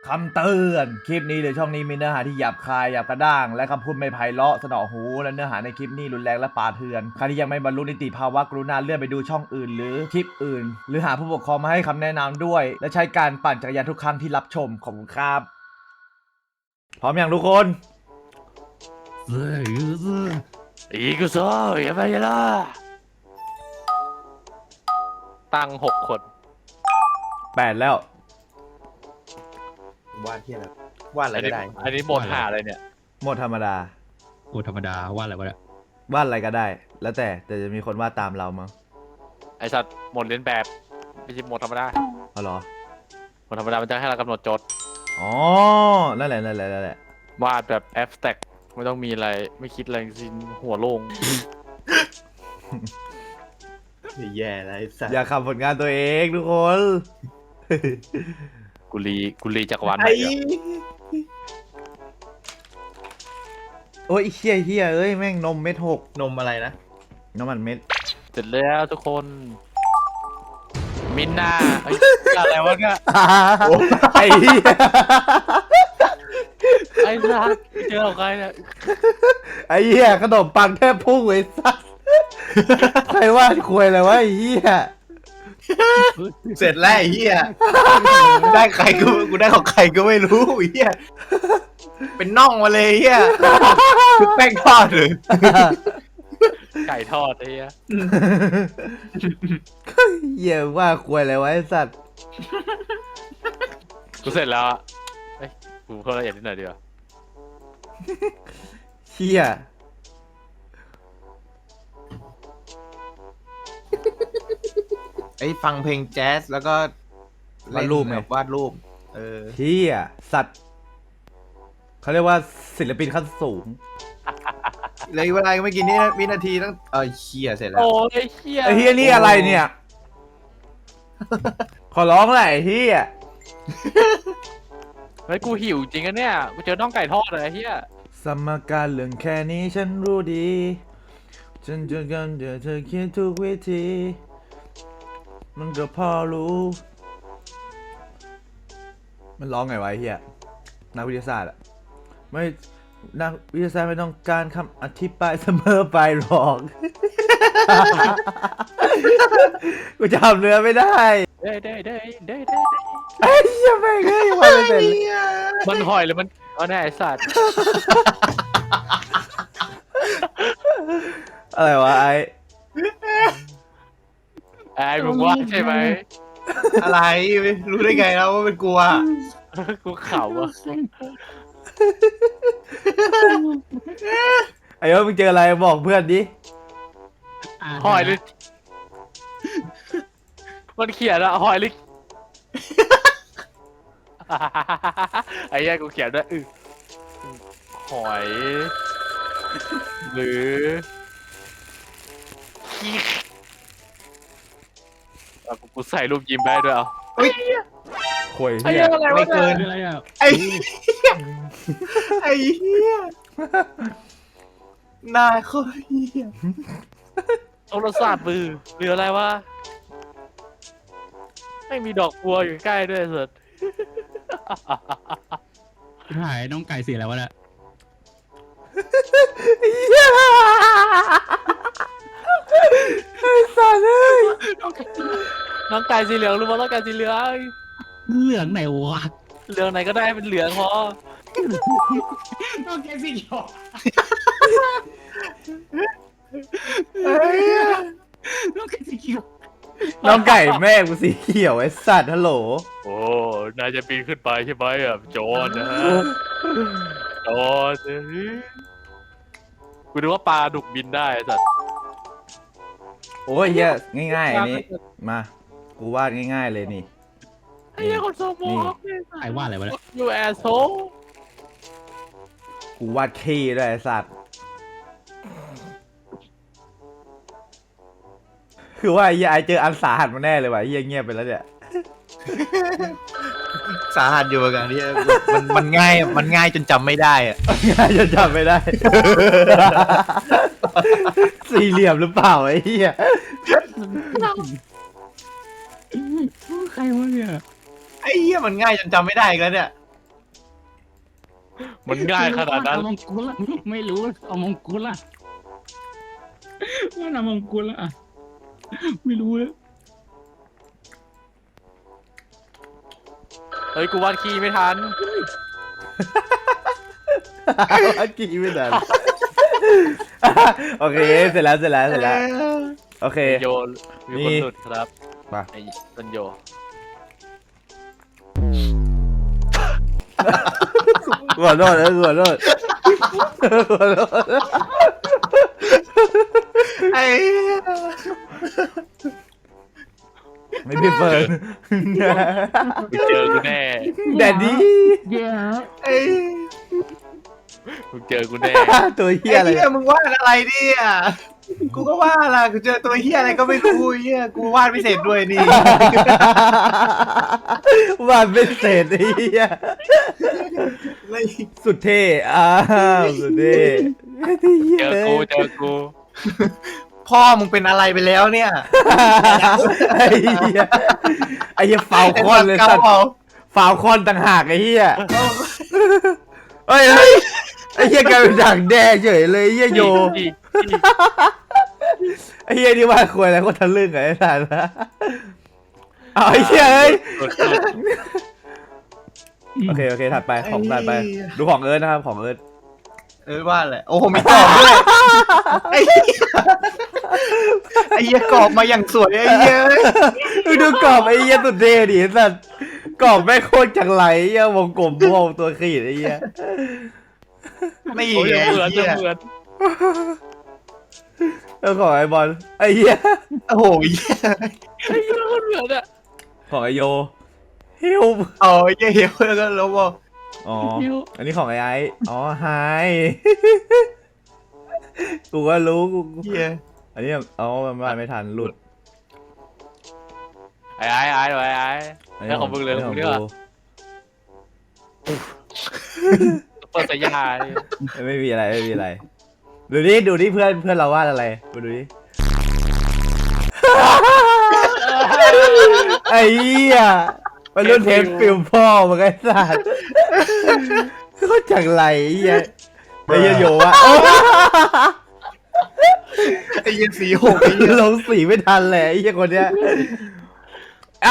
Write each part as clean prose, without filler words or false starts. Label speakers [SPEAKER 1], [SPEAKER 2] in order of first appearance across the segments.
[SPEAKER 1] คำเตือนคลิปนี้หรือช่องนี้มีเนื้อหาที่หยาบคายหยาบกระด้างและคำพูดไม่ไพเราะสนอหูและเนื้อหาในคลิปนี้รุนแรงและป่าเถื่อนใครที่ยังไม่บรรลุนิติภาวะกรุณาเลื่อนไปดูช่องอื่นหรือคลิปอื่นหรือหาผู้ปกครองมาให้คำแนะนำด้วยและใช้การปั่นจักรยานทุกครั้งที่รับชมขอบคุณครับพร้อมอย่างทุกคน
[SPEAKER 2] いくぞやばいやろตั้ง6 คน
[SPEAKER 1] 8แล้ว
[SPEAKER 3] วาดที่อะไรวาดอะไรก็ได้
[SPEAKER 2] อันนี้โหมดหาอะไรเนี่ย
[SPEAKER 1] หมดธรรมดา
[SPEAKER 4] โอ้ธรรมดาว่าอะไรวะเนี่ยว
[SPEAKER 1] าดอะไรก็ได้ แล้วแต่จะมีคนวาดตามเรามั้ง
[SPEAKER 2] ไอสัตว์โหมดเลียนแบบไม่ใช่โหมดธรรมดา
[SPEAKER 1] เอาเหรอ
[SPEAKER 2] โหมดธรรมดามันจะให้เรากำหนดโจทย์
[SPEAKER 1] อ๋อนั่นแหละ
[SPEAKER 2] วาดแบบแอ s สแต็กไม่ต้องมีอะไรไม่คิดอะไรทั้งสิ้นหัวโล่ง
[SPEAKER 3] แย่แล้วไอ้สัส
[SPEAKER 1] อย่าขับผลงานตัวเองทุกคน
[SPEAKER 2] กุลีจักรวาลไหน
[SPEAKER 3] ไอ้
[SPEAKER 2] อะ
[SPEAKER 1] โอ้ยเฮียเอ้ยแม่งนมเม็ดหก
[SPEAKER 3] นมอะไรนะ
[SPEAKER 1] น้ำมันเม็ด
[SPEAKER 2] เสร็จแล้วทุกคนมินนาไอ้ยอะไรวะเนี่ย
[SPEAKER 1] ไอ้เหี้ย
[SPEAKER 2] ไอ้สัตว์เจอใครเนี่ย
[SPEAKER 1] ไอ้เหี้ยขนมปังแทบพุ่งไอ้สัสใครว่าควยเลยวะไอ้เหี้ย
[SPEAKER 3] เสร็จแล้วไอ้เหี้ยได้ใครกูได้ของใครก็ไม่รู้ไอ้เหี้ยเป็นน่องมาเลยไอ้เหี้ยคือแป้งทอดหรือ
[SPEAKER 2] ไก่ทอดไอ้เหี้ย
[SPEAKER 1] เหี้ยว่าควยเลยวะไอ้สัส
[SPEAKER 2] กูเสร็จแล้วอะเอ้ยกูเพิ่มละเอียดนิดหน่อยดีกว่า
[SPEAKER 1] เหี้ย
[SPEAKER 3] ไอ้ฟังเพลงแจ๊สแล้วก็วาดรูป
[SPEAKER 1] เหี้ยสัตว์เขาเรียกว่าศิลปินขั้นสูง
[SPEAKER 3] เลยเวลาไม่กี่นี่วินาทีต้องเหี้ยเสร็จแล้ว
[SPEAKER 2] โอ้ยเหี้ย
[SPEAKER 1] ไอ้เหี้ยนี่อะไรเนี่ย ขอร้องแหละไอ้เหี้ย
[SPEAKER 2] เฮ้ยกูหิวจริงอะเนี่ยกูเจอน่องไก่ทอดเลยไอ้เหี้ย
[SPEAKER 1] สมการเรื่องแค่นี้ฉันรู้ดีฉันจะกันเดี๋ยวเธอคิดทุกวิธีมันก็พอรู้ มันร้องไงวะไอ้เหี้ยนักวิทยาศาสตร์อะไม่นักวิทยาศาสตร์ไม่ต้องการคำอธิบายเสมอไปหรอก กูจำเนื้อไม่ได้
[SPEAKER 2] ได้
[SPEAKER 1] ไอ้เหี้ยแม่งเฮ้ยวันไม่เสร็จเลย
[SPEAKER 2] มันหอยหรือมันเอาแน่ไอ้สัตว์
[SPEAKER 1] อะไรวะไอ้
[SPEAKER 2] ไอ้มึงว่าใช่ไหม
[SPEAKER 3] อะไรรู้ได้ไงแล้วว่าเป็นกลัว
[SPEAKER 2] กูเข่าอะ
[SPEAKER 1] ไอ้ว่ามึงเจออะไรบอกเพื่อนดิ
[SPEAKER 2] หอยหรือมันเขียนอะหอยหรือ ไอ้เหี้ยกูเขียนด้วยหอยหรือเอากูใส่รูปยิ้มได้ด้วยเอา
[SPEAKER 1] โวย
[SPEAKER 2] ไอ้
[SPEAKER 1] เหี้
[SPEAKER 2] เหี้
[SPEAKER 1] ย
[SPEAKER 2] ยอะไรวะ
[SPEAKER 3] ไม่เกิน
[SPEAKER 4] อะไรอ่ะ
[SPEAKER 3] ไอ้เหี้ยไอ้เหี้ยหน้าโคตรเหี้ย
[SPEAKER 2] โทรศัพท์มือหรืออะไรวะไม่มีดอกบัวอยู่ใกล้ด้วยสุด
[SPEAKER 4] หายน้องไก่เสียแล้ววะเนี่ย
[SPEAKER 1] ไอ้สัตว์เอ้ย
[SPEAKER 2] น้องไก่สีเหลืองรู้ว่าน้องไก่สีเหลือง
[SPEAKER 4] เหลืองไหนวะ
[SPEAKER 2] เหลืองไหนก็ได้เป็นเหลืองพอ
[SPEAKER 4] น้องไก่สีเขียว
[SPEAKER 3] เฮ้ย
[SPEAKER 4] น้องไก่สีเขียว
[SPEAKER 1] น้องไก่แม่กูสีเขียวไอ้สัตว์ฮัลโหล
[SPEAKER 2] โอ้นายจะปีนขึ้นไปใช่ไหมอ่ะโจรนะโจรกูนึกว่าปลาดุกบินได้สัตว์
[SPEAKER 1] โอ้ยเหี้ยง่ายๆอันนี้มากูวาดง่ายๆเลยนี่
[SPEAKER 2] ไอ้เหี้ยคนโซโม
[SPEAKER 4] ไอ้ว่าอะไรวะเนี่ย
[SPEAKER 2] ยูแอสโซ
[SPEAKER 1] กูวาดขี้ด้วยไอ้สัตว์คือว่าไอ้เหี้ยไอเจออันสาหัสมาแน่เลยว่ะไอ้เหี้ยเงียบไปแล้วเนี่ย
[SPEAKER 3] สาหัสอยู่เหมือนกันที่มันง่ายจนจำไม่ได้อะ
[SPEAKER 1] ง่ายจะจำไม่ได้ สี่เหลี่ยมหรือเปล่าไอ้เหี้ย
[SPEAKER 4] ใครวะเนี่ย
[SPEAKER 3] ไอ้เหี้ยมันง่ายจนจำไม่ได้อีกแล้วเนี่ย
[SPEAKER 2] มันง่ายขนาดนั้น
[SPEAKER 4] เอามงกุฎละไม่รู้เอามงกุฎละว่าเอามงกุฎละไม่รู้เลย
[SPEAKER 2] เฮ้ยกูวาดขี้ไม่ทัน
[SPEAKER 1] อันกี่ไม่ทันโอเคเสร็จแล้วโอเค
[SPEAKER 2] โยนมีคนหลุดครับ
[SPEAKER 1] มา
[SPEAKER 2] ไอ้ตันโย
[SPEAKER 1] ขอโทษนะขอโทษ
[SPEAKER 3] ไอ้
[SPEAKER 1] ไม่พี่เฟิร์น
[SPEAKER 2] มึงเจอกูแน่
[SPEAKER 1] แดดดี้
[SPEAKER 4] เดี๋ยว
[SPEAKER 3] ไอ้
[SPEAKER 2] มึงเจอกูแน่
[SPEAKER 1] ตัวเฮี
[SPEAKER 3] เหี้
[SPEAKER 1] ยอะไร
[SPEAKER 3] ยมึงวาดอะไรเนี่ยกูก็ว่าล่ะกูเจอตัวเหี้ยอะไรก็ไม่รู้เหี้ยกูวาดไม่เสร็จด้วยนี่
[SPEAKER 1] วาดไม่เสร็จไอ้เฮียสุดเท่สุดเท่
[SPEAKER 2] เจอกูเจอกู
[SPEAKER 3] พ่อมึงเป็นอะไรไปแล้วเนี่ย
[SPEAKER 1] ไอ้เหี้ยไอ้เหี้ยฟาวคอนเลยสัตว์ฟาวคอนต่างหากไอ้เหี้ยเฮ้ยไอ้เหี้ยกลายเป็นด่างแด้เฉยเลยไอ้เหี้ยโย
[SPEAKER 2] อีก
[SPEAKER 1] ไอ้เหี้ยนี่ว่าควรอะไรก็ทะลึ่งไอ้สัตว์นะเอาไอ้เหี้ยเอ้ยโอเคถัดไปของถัดไปดูของเอิร์ธนะครับของเอิร์ธ
[SPEAKER 3] ว่าแหละโอ้โหมีกรอบด้วยไอ้เหี้ยกรอบมาอย่างสวยไอ้เหี้ย
[SPEAKER 1] ดูกรอบไอ้เหี้ยสุดเท่ดิสัตว์กรอบแม่งโคตรจังไรไอ้เหี้ยวงกลมวงตัวขีดไอ้เหี้ย
[SPEAKER 3] ไม่
[SPEAKER 2] โอ้ย
[SPEAKER 3] ไง
[SPEAKER 2] เหมือน
[SPEAKER 3] เหี้ย
[SPEAKER 2] เหมือน
[SPEAKER 1] แล้วของไอ้บอลไอ้เหี้ย
[SPEAKER 3] โอ้โหเหี้ย
[SPEAKER 2] ไอ้เหี้ยเหมือนอะ
[SPEAKER 1] ของไอโยฮิว
[SPEAKER 3] เอาไอ้เหี้ยแล้วก็แล้วบอก
[SPEAKER 1] อ๋ออันนี้ของไอ้อ๋อไฮกูก็รู้กู
[SPEAKER 3] เหี้ย
[SPEAKER 1] อันนี้อ๋อมันมาไม่ทันหลุด
[SPEAKER 2] ไอ้แล้วของมึงเลยของมึงเนี่ยเปิดสายยา
[SPEAKER 1] ไม่มีอะไรดูดิเพื่อนเราวาดอะไรมาดูดิไอ้เหี้ยมันรุ่นเทปฟิลพ่อมันไอ้สัสเขาจังไรไอ้เหี้ยไอ้เหี้ยโยวะ
[SPEAKER 3] ไอ้เหี้ยสีหกไอ้เหี้ย
[SPEAKER 1] ลงสีไม่ทันเลยไอ้เหี้ยคนเนี้ยเอา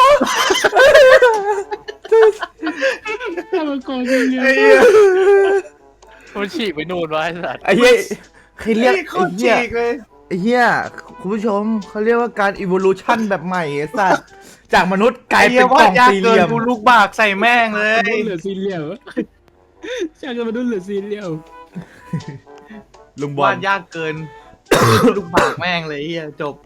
[SPEAKER 4] ถ้ามันโกงจริง
[SPEAKER 3] ไอ้เหี้ย
[SPEAKER 2] มันฉีกไปนู่นวะไอ้สัตว์
[SPEAKER 1] ไอ้เหี้ยใครเรียก
[SPEAKER 3] โค
[SPEAKER 1] ไอ้
[SPEAKER 3] ตร
[SPEAKER 1] เหี้ย
[SPEAKER 3] ฉีกเลย
[SPEAKER 1] ไอ้เหี้ยคุณผู้ชมเขาเรียกว่าการ evolution แบบใหม่ไอ้สัสจากมนุษย์กลาย
[SPEAKER 3] ไอ้
[SPEAKER 1] เป็
[SPEAKER 3] เหี้ย
[SPEAKER 1] นก
[SPEAKER 3] วา
[SPEAKER 1] ล่
[SPEAKER 3] ด
[SPEAKER 1] อง
[SPEAKER 3] ยาก
[SPEAKER 1] สี่เห
[SPEAKER 3] เกิน
[SPEAKER 1] ลี่ยม
[SPEAKER 3] กูลูกบากใส่แม่งเลย
[SPEAKER 4] มันเหลือสี่เหลี่ยมช่างกันมาดูเหลือสี่เหลี่ยม
[SPEAKER 1] ลุงบอ
[SPEAKER 3] วา
[SPEAKER 1] ล
[SPEAKER 3] ดยากเกิน ลูกบากแม่งเลยไอ้เหี้ยจบ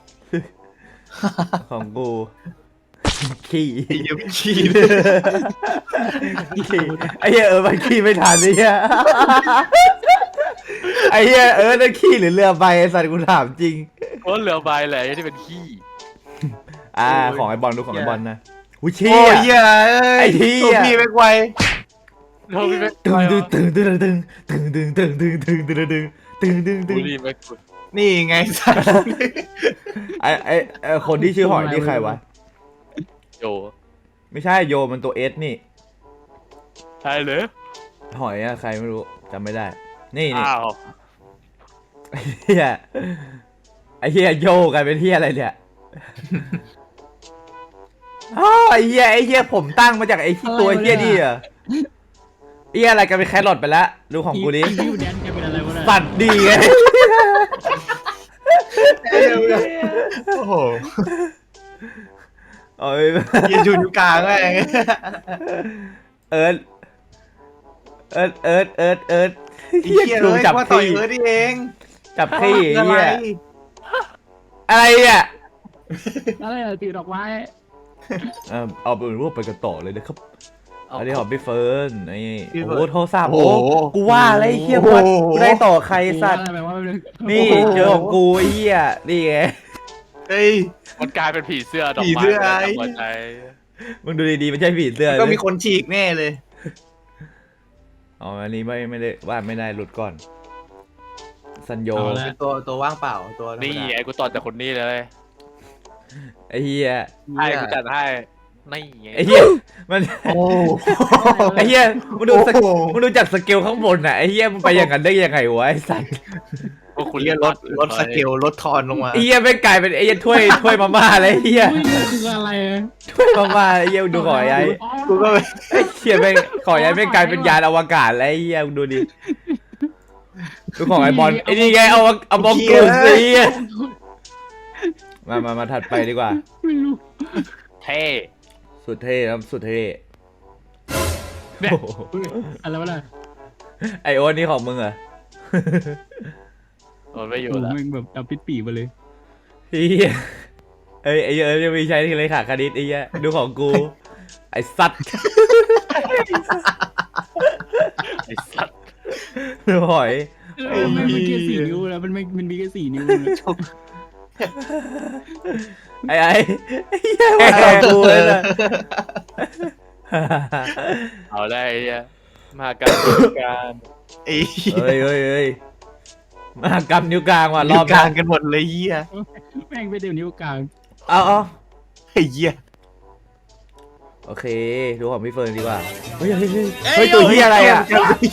[SPEAKER 1] ของกูขี้
[SPEAKER 3] ไอ้เหี้ยขี้เลย
[SPEAKER 1] ขี้ไอ้เหี้ยมันขี้ไม่ทันไอ้เหี้ยไอ้เหี้ยนั่นขี้หรือเรือใบไอ้สัตว์กูถามจริง
[SPEAKER 2] เพราะเหลือใบแหละที่เป็นขี้
[SPEAKER 1] ของไอ้บอลดูของไอ้บอลนะอุ้ย
[SPEAKER 3] โอ้
[SPEAKER 1] เชี่
[SPEAKER 3] ย
[SPEAKER 1] ย
[SPEAKER 3] เหี้ย
[SPEAKER 1] ไอ้เหี้ย
[SPEAKER 3] ตัวพี่ไม่ไว
[SPEAKER 2] เราพี่ไม่
[SPEAKER 1] ตึงตึง
[SPEAKER 2] บุรีไม่กุด
[SPEAKER 3] นี่ไงสัตว์
[SPEAKER 1] ไอ้คนที่ชื่อหอยนี่ใครวะ
[SPEAKER 2] โย
[SPEAKER 1] ไม่ใช่โยมันตัวเอสนี่
[SPEAKER 2] ใช่เลย
[SPEAKER 1] หอยอะใครไม่รู้จำไม่ได้ นี่
[SPEAKER 2] อ้าว
[SPEAKER 1] ไอ้เหี้ยโยกลายเป็นเหี้ยอะไรเนี่ยอ้าวไอ้เหี้ยผมตั้งมาจากไอ้ที่ตัวเหี้ยนี่อะไอ้เหี้ยอะไรกันเป็นแครอทไปแล้วดูของกูดิ
[SPEAKER 4] พี่แดนแกเป็นอะไรวะเนี่ย
[SPEAKER 1] สัตว์ดีไง
[SPEAKER 3] โอ้โห
[SPEAKER 1] โอ้ย
[SPEAKER 3] ยืนอยู่กลางแม่ง
[SPEAKER 1] เอิร์ดเหี้ย
[SPEAKER 3] เหี้ย
[SPEAKER 1] ถู
[SPEAKER 3] เล
[SPEAKER 1] ก
[SPEAKER 3] ย
[SPEAKER 1] จับ
[SPEAKER 3] ว่าต่อย
[SPEAKER 1] ขี้
[SPEAKER 3] เออนี่เอง
[SPEAKER 1] จับขี้
[SPEAKER 3] อะไร
[SPEAKER 1] เหี้ยอะไรอ่ะ
[SPEAKER 4] อะไรอะถือดอกไม้
[SPEAKER 1] เอาเป็นรูปไปกันต่อเลยนะครับอันนี้ของพี่เฟิร์นนี่
[SPEAKER 3] พี่
[SPEAKER 1] โอ้
[SPEAKER 3] เฟิร์น
[SPEAKER 1] โหโทรศัพท์
[SPEAKER 3] โอ้
[SPEAKER 1] โอ้
[SPEAKER 3] โห
[SPEAKER 1] กูว่าอะไรเหี้ย
[SPEAKER 3] โอ้โห
[SPEAKER 1] กูได้ต่อใครสัตว์
[SPEAKER 4] อะไรวะ
[SPEAKER 1] นี่เจอของกูไอ้เหี้ยนี่ไง
[SPEAKER 3] เฮ้ย
[SPEAKER 2] มันกลายเป็นผีเสื้อดอก
[SPEAKER 3] ผี
[SPEAKER 2] ไม้
[SPEAKER 3] เสื้อ
[SPEAKER 2] หัวใจ
[SPEAKER 1] มึงดูดีๆมันใช่ผีเสื้อ
[SPEAKER 3] ก็มีคนฉีกแน่เลย
[SPEAKER 1] อ๋ออันนี้ไม่ได้วาดไม่ได้หลุดก่อนซันโย
[SPEAKER 4] เอาละ
[SPEAKER 3] ตัวว่างเปล่าตัวธรรมดา
[SPEAKER 2] นี่ไอ้กูต่อจากคนนี้เลย
[SPEAKER 1] ไอ้เหี้ย
[SPEAKER 2] ให้กูจัดให้นี่ไง
[SPEAKER 1] ไอ้เหี้ยมัน
[SPEAKER 3] โอ้
[SPEAKER 1] ไอ้เหี้ยมึงดูส
[SPEAKER 3] โอ้โห
[SPEAKER 1] มึงดูจากสเกลข้างบนน่ะไอ้เหี้ยมึงไปอย่างนั้นได้ยังไงวะไอ้สัส
[SPEAKER 2] พวกคุณ
[SPEAKER 3] เหี้ยลดสเกลลดทอนลงมา
[SPEAKER 1] ไอ้เหี้ยไม่งกลายเป็นไอ้เหี้ยถ้วยมาม่าเลยไอ้เหี้ย
[SPEAKER 4] ไม่รู้คืออะไรอะ
[SPEAKER 1] ถ้วยมาม่าไอ้เหี้ยมึงดูขอไอ้
[SPEAKER 3] กูก็
[SPEAKER 1] ไอ้เหี้ยไม่งขอไอ้ไม่งกลายเป็นยานอวกาศแล้วไอ้เหี้ยมึงดูดิดูของไอ้บอลไอ้นี่ไงเอาบอลกูสิมาถัดไปดีกว่า
[SPEAKER 4] ไม่รู้
[SPEAKER 2] เท่
[SPEAKER 1] สุดเท่ครับสุดเท่
[SPEAKER 2] เนี่ย
[SPEAKER 1] โอ้โห
[SPEAKER 4] อะไรวะล่ะ
[SPEAKER 1] ไอโอ๊ตนี่ของมึงเหรอ
[SPEAKER 2] โดนไม่อยู่
[SPEAKER 4] โอ้
[SPEAKER 2] แล้ว
[SPEAKER 4] แม่งแบบเอาปิดปีมาเลย
[SPEAKER 1] เฮียไอ้เอ้ยยังมีใช้ที่เลยค่ะคณิตไอ้เหี้ยดูของกู ไอ้สัตว์
[SPEAKER 2] ไอ้สัตว์
[SPEAKER 1] ดูหอย
[SPEAKER 4] แม่งมันแค่4 นิ้วแล้วมันมีแค่4 นิ้วนะ
[SPEAKER 1] ไอ้เหี้ยมาของกูเลยนะ
[SPEAKER 2] เอาได้ไอ้เหี้ยมาการการ
[SPEAKER 3] ไอ้
[SPEAKER 1] เฮ้ยมากำนิ้วกลางว่ะร
[SPEAKER 3] ร
[SPEAKER 1] อ
[SPEAKER 3] อ
[SPEAKER 1] บบ
[SPEAKER 3] กลางกันหมดเลยเหี้ย
[SPEAKER 4] แม่งไปเดี๋ยวนิ้วกลาง
[SPEAKER 1] เอา
[SPEAKER 3] ไอ้เหี้ย
[SPEAKER 1] โอเคดูของพี่เฟิร์นดีกว่าเฮ้ยตัวเหี้ยอะไรอ่ะ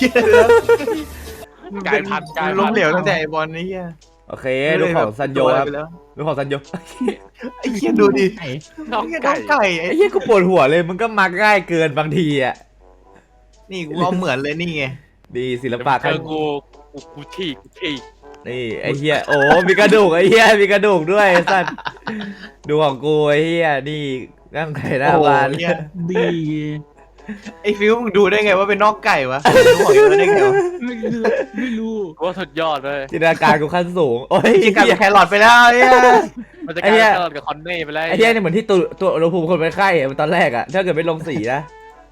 [SPEAKER 2] กลายพันธุ์กลาย
[SPEAKER 3] ล้
[SPEAKER 2] พั
[SPEAKER 3] ม
[SPEAKER 2] น
[SPEAKER 3] เหลว
[SPEAKER 2] ธุ์
[SPEAKER 3] ตั้งแต่ไอ้บอลนี่เหี้ย
[SPEAKER 1] โอเคดูของซันโยครับ
[SPEAKER 3] ไปแล้ว
[SPEAKER 1] ดูของซันโย
[SPEAKER 3] ไอ้เหี้ยดูดิ
[SPEAKER 4] ไอ้
[SPEAKER 2] น้อง
[SPEAKER 3] ไอ้
[SPEAKER 2] ไก่
[SPEAKER 3] ไก่ไอ้
[SPEAKER 1] ไอ้เหี้ยกูปวดหัวเลยมึงก็มาง่ายเกินบางทีอ่ะ
[SPEAKER 3] นี่กูเอาเหมือนเลยนี่ไง
[SPEAKER 1] ดีศิลปะ
[SPEAKER 2] เจอกูที่
[SPEAKER 1] นี่ไอ้เหี้ยโอ้มีกระดูกไอ้เหี้ยมีกระดูกด้วยไอ้สัตว์ดูของกูไอ้เหี้ยนี่นั่งไข่หน้าบ้าน
[SPEAKER 3] โอ้โหเหี้ย
[SPEAKER 4] ดี
[SPEAKER 3] ไอ้ฟิวมึงดูได้ไงว่าเป็นนอกไก่วะรู้ของอยู่ได้ไงวะ
[SPEAKER 4] ไม่รู้
[SPEAKER 2] กูว่าสุดยอดเลย
[SPEAKER 1] จินตนาการกูขั้นสูงโอ้ย
[SPEAKER 3] กินกับ
[SPEAKER 1] เหี้ย
[SPEAKER 3] แครอทไปแล้วไอ้เหี้ย
[SPEAKER 2] มันจะก
[SPEAKER 1] ไอ้
[SPEAKER 2] ลาย
[SPEAKER 1] เหี้ย
[SPEAKER 2] เป็นกับคอนเน่ไปแล้ว
[SPEAKER 1] ไอ้เหี้ยนี่เหมือนที่ตัวอุณหภูมิคนเป็นไข้อะตอนแรกอะถ้าเกิดไม่ลงสีนะ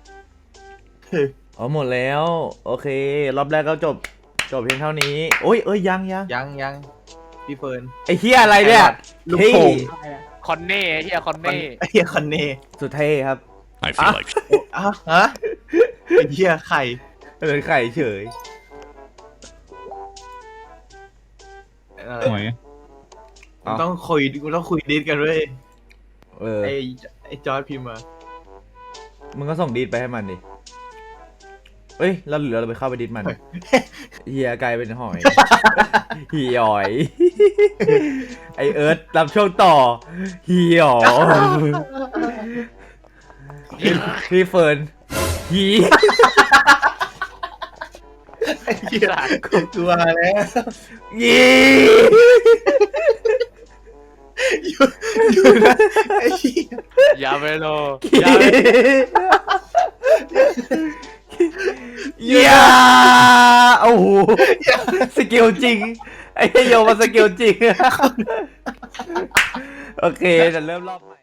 [SPEAKER 1] อ๋อหมดแล้ว โอเค รอบแรกก็จบเพียงเท่านี้โอ้ยยัง
[SPEAKER 3] ยังพี่เฟิร์น
[SPEAKER 1] ไอ้เหี้ยอะไรเนี่ย
[SPEAKER 3] ลูกโป่ง
[SPEAKER 2] คอนเน่เฮียคอนเน่
[SPEAKER 3] ไอ้เหี้ยคอนเน่
[SPEAKER 1] สุดเท่ครับ
[SPEAKER 5] I feel like
[SPEAKER 3] อ่ะฮะไอ้เหี้ยไข่
[SPEAKER 1] เลยไข่เฉย
[SPEAKER 4] หอย
[SPEAKER 3] กูต้องคุยดิสกันเว้ย
[SPEAKER 1] เออ
[SPEAKER 3] ไอ้จอร์ดพิมพ์มา
[SPEAKER 1] มึงก็ส่งดีดไปให้มันดิเอ้ยแล้วเหลือเราไปเข้าไปดิดมันเฮียกลายเป็นหอยเหี่หอย ไอเอิร์ธรับช่วงต่อเหี่หอยพี่เฟิร์นหี
[SPEAKER 3] ไอ้เหี้ยกูกลัวแล้ว
[SPEAKER 1] ยี
[SPEAKER 3] อยู่นะไอ้เหี้ย
[SPEAKER 2] ยาเวโล
[SPEAKER 1] ยาโอ้โหสกิลจริง ไอ้โยมาสกิลจริง โอเคจะเริ่มรอบใหม่